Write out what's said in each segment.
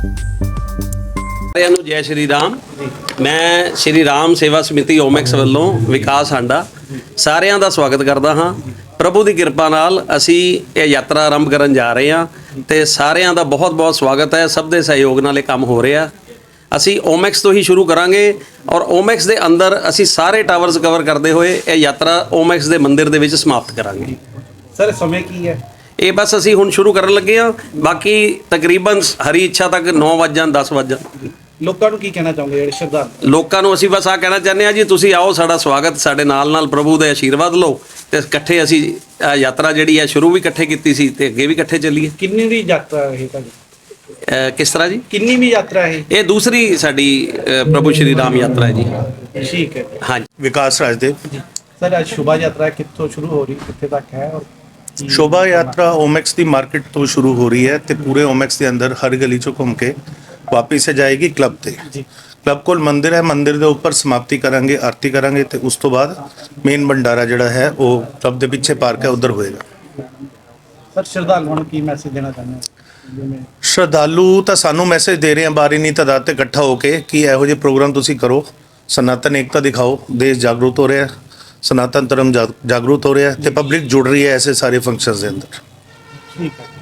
ਸਾਰਿਆਂ ਨੂੰ ਜੈ ਸ਼੍ਰੀ ਰਾਮ। ਮੈਂ ਸ਼੍ਰੀ ਰਾਮ ਸੇਵਾ ਸਮਿਤੀ ਓਮੈਕਸ ਵੱਲੋਂ ਵਿਕਾਸ ਹਾਂਡਾ ਸਾਰਿਆਂ ਦਾ ਸਵਾਗਤ ਕਰਦਾ ਹਾਂ। ਪ੍ਰਭੂ ਦੀ ਕਿਰਪਾ ਨਾਲ ਅਸੀਂ ਇਹ ਯਾਤਰਾ ਆਰੰਭ ਕਰਨ ਜਾ ਰਹੇ ਹਾਂ ਤੇ ਸਾਰਿਆਂ ਦਾ ਬਹੁਤ ਬਹੁਤ ਸਵਾਗਤ ਹੈ। ਸਭ ਦੇ ਸਹਿਯੋਗ ਨਾਲ ਇਹ ਕੰਮ ਹੋ ਰਿਹਾ। ਅਸੀਂ ਓਮੈਕਸ ਤੋਂ ਹੀ ਸ਼ੁਰੂ ਕਰਾਂਗੇ ਔਰ ਓਮੈਕਸ ਦੇ ਅੰਦਰ ਅਸੀਂ ਸਾਰੇ ਟਾਵਰਸ ਕਵਰ ਕਰਦੇ ਹੋਏ ਇਹ ਯਾਤਰਾ ਓਮੈਕਸ ਦੇ ਮੰਦਿਰ ਦੇ ਵਿੱਚ ਸਮਾਪਤ ਕਰਾਂਗੇ। ਸਰ ਸਮੇਂ ਕੀ ਹੈ? ਇਹ ਬਸ ਅਸੀਂ ਹੁਣ ਸ਼ੁਰੂ ਕਰਨ ਲੱਗੇ ਹਾਂ। ਬਾਕੀ ਤਕਰੀਬਨ ਹਰੀ ਇੱਛਾ ਤੱਕ 9 ਵਜੇ 10 ਵਜੇ। ਲੋਕਾਂ ਨੂੰ ਕੀ ਕਹਿਣਾ ਚਾਹੋਗੇ ਜਿਹੜੇ ਸ਼ਰਧਾਲੂ? ਲੋਕਾਂ ਨੂੰ ਅਸੀਂ ਬਸ ਆ ਕਹਿਣਾ ਚਾਹੁੰਦੇ ਹਾਂ ਜੀ, ਤੁਸੀਂ ਆਓ, ਸਾਡਾ ਸਵਾਗਤ, ਸਾਡੇ ਨਾਲ ਪ੍ਰਭੂ ਦੇ ਆਸ਼ੀਰਵਾਦ ਲਓ ਤੇ ਇਕੱਠੇ ਅਸੀਂ ਯਾਤਰਾ ਜਿਹੜੀ ਹੈ ਸ਼ੁਰੂ ਵੀ ਇਕੱਠੇ ਕੀਤੀ ਸੀ ਤੇ ਅੱਗੇ ਵੀ ਇਕੱਠੇ ਚੱਲੀਏ। ਕਿੰਨੀ ਵੀ ਯਾਤਰਾ ਹੈ ਤੁਹਾਡੀ? ਕਿਸ ਤਰ੍ਹਾਂ ਜੀ? ਕਿੰਨੀ ਵੀ ਯਾਤਰਾ ਹੈ? ਇਹ ਦੂਸਰੀ ਸਾਡੀ ਪ੍ਰਭੂ ਸ਼੍ਰੀ ਰਾਮ ਯਾਤਰਾ ਹੈ ਜੀ। ਠੀਕ ਹੈ। ਹਾਂਜੀ, विकास राजदेव। ਸਰ ਅੱਜ ਸ਼ੁਭਾ ਯਾਤਰਾ ਕਿੱਥੋਂ ਸ਼ੁਰੂ ਹੋ ਰਹੀ, ਕਿੱਥੇ ਤੱਕ ਹੈ? ਔਰ शोभा यात्रा ओमैक्स की मार्केट तो शुरू हो रही है तो पूरे ओमैक्स के अंदर हर गली चों घूम के वापिस जाएगी क्लब ते। जी। क्लब कोल मंदिर है, मंदिर के उपर समाप्ति करांगे, आरती करांगे तो उस तो बाद मेन भंडारा जिहड़ा है वो क्लब के पिछे पार्क है उधर होएगा। ਸਰ ਸ਼ਰਧਾਲੂਆਂ ਨੂੰ ਕੀ ਮੈਸੇਜ ਦੇਣਾ ਚਾਹੁੰਦੇ ਹੋ? ਜਿਵੇਂ श्रद्धालु तो सानू मैसेज दे रहे हैं बारी नहीं तादाद ते इकट्ठा होके कि इहो ਜਿਹੇ प्रोग्राम तुसी करो, सनातन एकता दिखाओ, देश जागरूक हो रहा है, सनातन धर्म जागरूक हो रहा है तो पब्लिक जुड़ रही है ऐसे सारे फंक्शंस के अंदर। ਠੀਕ ਹੈ।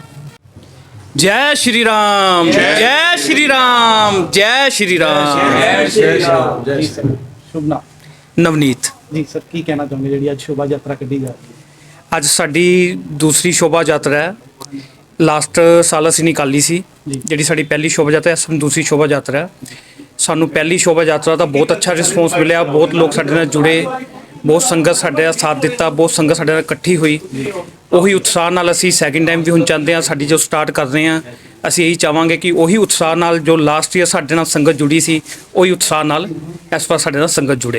जय श्री राम, जय श्री राम, जय श्री राम। ਜੀ ਸਰ ਸ਼ੁਭ ਨਾਮ? ਨਵਨੀਤ। ਜੀ ਸਰ ਕੀ ਕਹਿਣਾ ਚਾਹੋਗੇ ਜਿਹੜੀ ਅੱਜ ਸ਼ੋਭਾ ਯਾਤਰਾ ਕੱਢੀ ਜਾ ਰਹੀ ਹੈ? ਅੱਜ ਸਾਡੀ ਦੂਸਰੀ ਸ਼ੋਭਾ ਯਾਤਰਾ ਹੈ। ਲਾਸਟ ਸਾਲ ਅਸੀਂ ਨਿਕਾਲੀ ਸੀ, ਜਿਹੜੀ ਸਾਡੀ ਪਹਿਲੀ ਸ਼ੋਭਾ ਯਾਤਰਾ ਹੈ। ਸਾਨੂੰ ਦੂਸਰੀ ਸ਼ੋਭਾ ਯਾਤਰਾ ਹੈ। ਸਾਨੂੰ ਪਹਿਲੀ ਸ਼ੋਭਾ ਯਾਤਰਾ ਦਾ ਬਹੁਤ ਅੱਛਾ ਰਿਸਪੌਂਸ ਮਿਲਿਆ। ਬਹੁਤ ਲੋਕ ਸਾਡੇ ਨਾਲ ਜੁੜੇ, ਬਹੁਤ ਸੰਗਤ ਸਾਡੇ ਦਾ ਸਾਥ ਦਿੱਤਾ, ਬਹੁਤ ਸੰਗਤ ਸਾਡੇ ਨਾਲ ਇਕੱਠੀ ਹੋਈ। ਉਹੀ ਉਤਸ਼ਾਹ ਨਾਲ ਅਸੀਂ ਸੈਕਿੰਡ ਟਾਈਮ ਵੀ ਹੁਣ ਚਾਹੁੰਦੇ ਹਾਂ, ਸਾਡੀ ਜੋ ਸਟਾਰਟ ਕਰ ਰਹੇ ਹਾਂ, ਅਸੀਂ ਇਹੀ ਚਾਹਾਂਗੇ ਕਿ ਉਹੀ ਉਤਸ਼ਾਹ ਨਾਲ ਜੋ ਲਾਸਟ ਈਅਰ ਸਾਡੇ ਨਾਲ ਸੰਗਤ ਜੁੜੀ ਸੀ, ਉਹੀ ਉਤਸ਼ਾਹ ਨਾਲ ਇਸ ਵਾਰ ਸਾਡੇ ਨਾਲ ਸੰਗਤ जुड़े।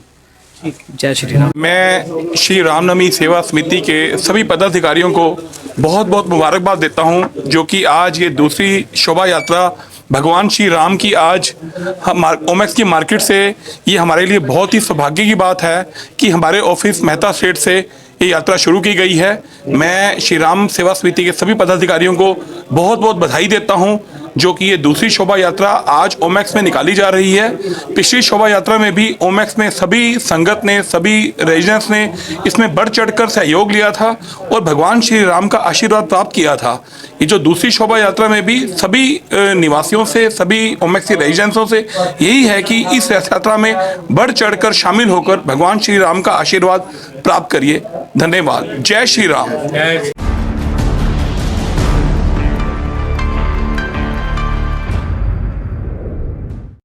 जय श्री राम। मैं श्री रामनवमी सेवा समिति के सभी पदाधिकारियों को बहुत बहुत मुबारकबाद देता हूं, जो कि आज ये दूसरी शोभा यात्रा भगवान श्री राम की आज ओमैक्स की मार्केट से, ये हमारे लिए बहुत ही सौभाग्य की बात है कि हमारे ऑफिस मेहता स्ट्रीट से ये यात्रा शुरू की गई है। मैं श्री राम सेवा समिति के सभी पदाधिकारियों को बहुत बहुत बधाई देता हूं, जो कि ये दूसरी शोभा यात्रा आज ओमैक्स में निकाली जा रही है। पिछली शोभा यात्रा में भी ओमैक्स में सभी संगत ने, सभी रेजिडेंट्स ने इसमें बढ़ चढ़कर सहयोग लिया था और भगवान श्री राम का आशीर्वाद प्राप्त किया था। ये जो दूसरी शोभा यात्रा में भी सभी निवासियों से, सभी ओमैक्स के रेजिडेंट्सों से यही है कि इस यात्रा में बढ़ चढ़कर शामिल होकर भगवान श्री राम का आशीर्वाद प्राप्त करिए। धन्यवाद। जय श्री राम।